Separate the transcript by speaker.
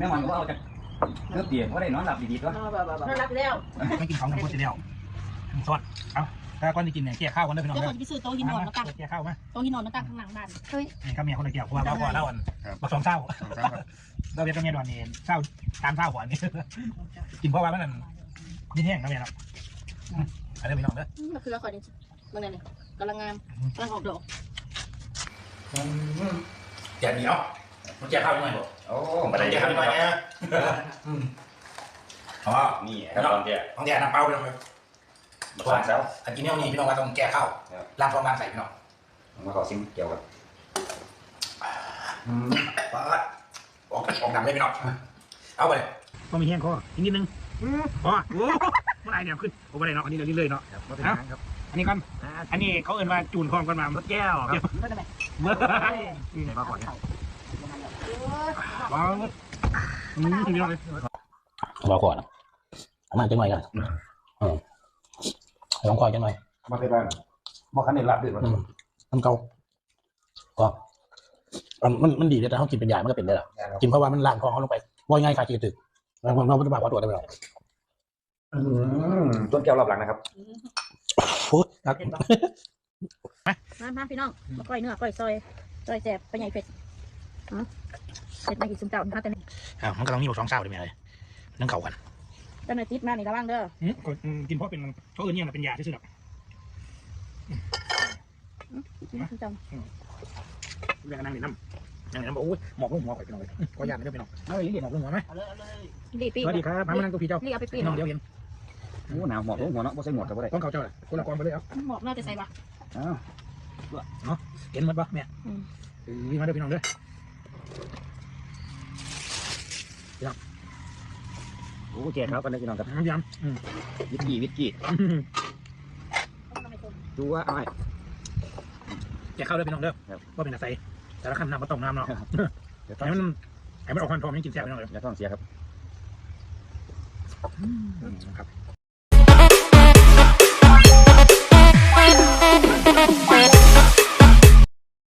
Speaker 1: แม่หมอนก็เอาจากเนื้อเตียงว่าได้นอนหลับดีๆก็
Speaker 2: นอนรับแล้ว
Speaker 3: ไม่กินของทั้งหมดเสียแล้วสวัสดีเอาถ้าก้อนจะกินเนี่ยเกี่ยข้าวกันเลยพี่น้อง
Speaker 2: เดี๋ยว
Speaker 3: เด้
Speaker 2: คนไปซื้อโต๊ะหินนอนมาตั้ง
Speaker 3: เกี่ยข้าวมา
Speaker 2: โต๊ะหินนอนมาตั้งข้างหลังบ้านเฮ้ย
Speaker 3: นี่ก็เมียคนละเกี่ยวเพราะว่าเราก่อนเล่าอันมาสองเศร้าเราเป็นก็เมียดอนนี่เศร้าตามเศร้าก่อนนี่กินเพราะว่ามันยิ่งแห้งนะเมียเนาะอะไรพี่น้องเด้อ
Speaker 2: มันคือละครนี่เมื่อไงเนี่ยกำลังงามกำลังออกดอก
Speaker 3: แกะเหนียวมันแกะข้าวยังไงบ่โอ้มาได้แกะข้าวยังไงเนี่ยเพราะว่านี่ต้องแกะน้ำเปล่าไปลงเลยก่อนแล้วอันกินเนี่ยนี่พี่น้องว่าต้องแกะข้าวล้างท้องล้างใส่พี่น้อง
Speaker 1: มาขอซิมเกี่ยวกับ
Speaker 3: ปาดออกดำเลยพี่น้องเอาไปก็มีแห้งคออีกนิดนึงพอโอ้เมื่อไรเนี่ยขึ้นโอ้เมื่อไรเนาะอันนี้เราเรื่อยๆเนาะอันนี้ก่อนอันนี้เขาเอิ้นว่าจูนคองกันมาเมื่อแก้วครับเมื่อนี่มาก่อนว้าวพี่น้องเลยรอก่อนมาจังหน่อยกันลองคอยจังหน่อย
Speaker 1: มาไปบ้านมาขันเด็ดลับด้วย
Speaker 3: มันเก่าก็มันดีแต่เขากินเป็นยามันก็เป็นได้หรอกินเพราะว่ามันล้างท้องเขาลงไปว่าง่ายขาดกินตึกแล้วผมเราไม่ได้บอกว่าตัวได้ไหมหรอ
Speaker 1: ต้นแก้วรอบหลังนะครับ
Speaker 3: ฟุต
Speaker 2: มาพี่น้องมาก้อยเนื้อก้อยซอยแสบไปใหญ่เผ็ดเผ็ดในกี่ซุ่มเจ้านะแต่นี่
Speaker 3: มันก็ต้องมีหมด2เศร้าเลยไหมเลยนั่งเก่ากัน
Speaker 2: เจ้าหน่อยติดมาในระวังเด้อ
Speaker 3: กินเพราะเป็นเขาอื่นเนี่ยเป็นยาที่สุดหรอกเรื่องนั่งในน้ำบอกโอ้ยหมอกลงหัวข่อยไปหน่อยก็ยากไม่ได้ไปหน่อยเอาเลยหมอกลงหัวไหมสวัสดีครับมานั่งตัวพี่เจ้าน้องเดียวเห็น
Speaker 1: โอ้หนาวหมอกลงหัวเนาะไม่ใช่หมดแต่ว่าได้
Speaker 3: ต้องเขาเจ้าเลยคนละกองไปเลยเอา
Speaker 2: หมอกน่าจะใส่ปะ
Speaker 1: เ
Speaker 3: นาะเห็นมันปะแม่วิ่งมาเด้อพี่น้องเด้อ
Speaker 1: โอ้แก่ครับกันเลยพี่น้องครับ
Speaker 3: ย้
Speaker 1: วิสกี้ดูว่าเอาไง
Speaker 3: แกเข้าเลยพี่น้องเด้อว่าเป็นอะไรแต่ละขั้นน้ำมาต้มน้ำเนาะให้มันออกควันทองยังกินแซ่บพี่น้องเลย
Speaker 1: อย่าท้องเสียครับ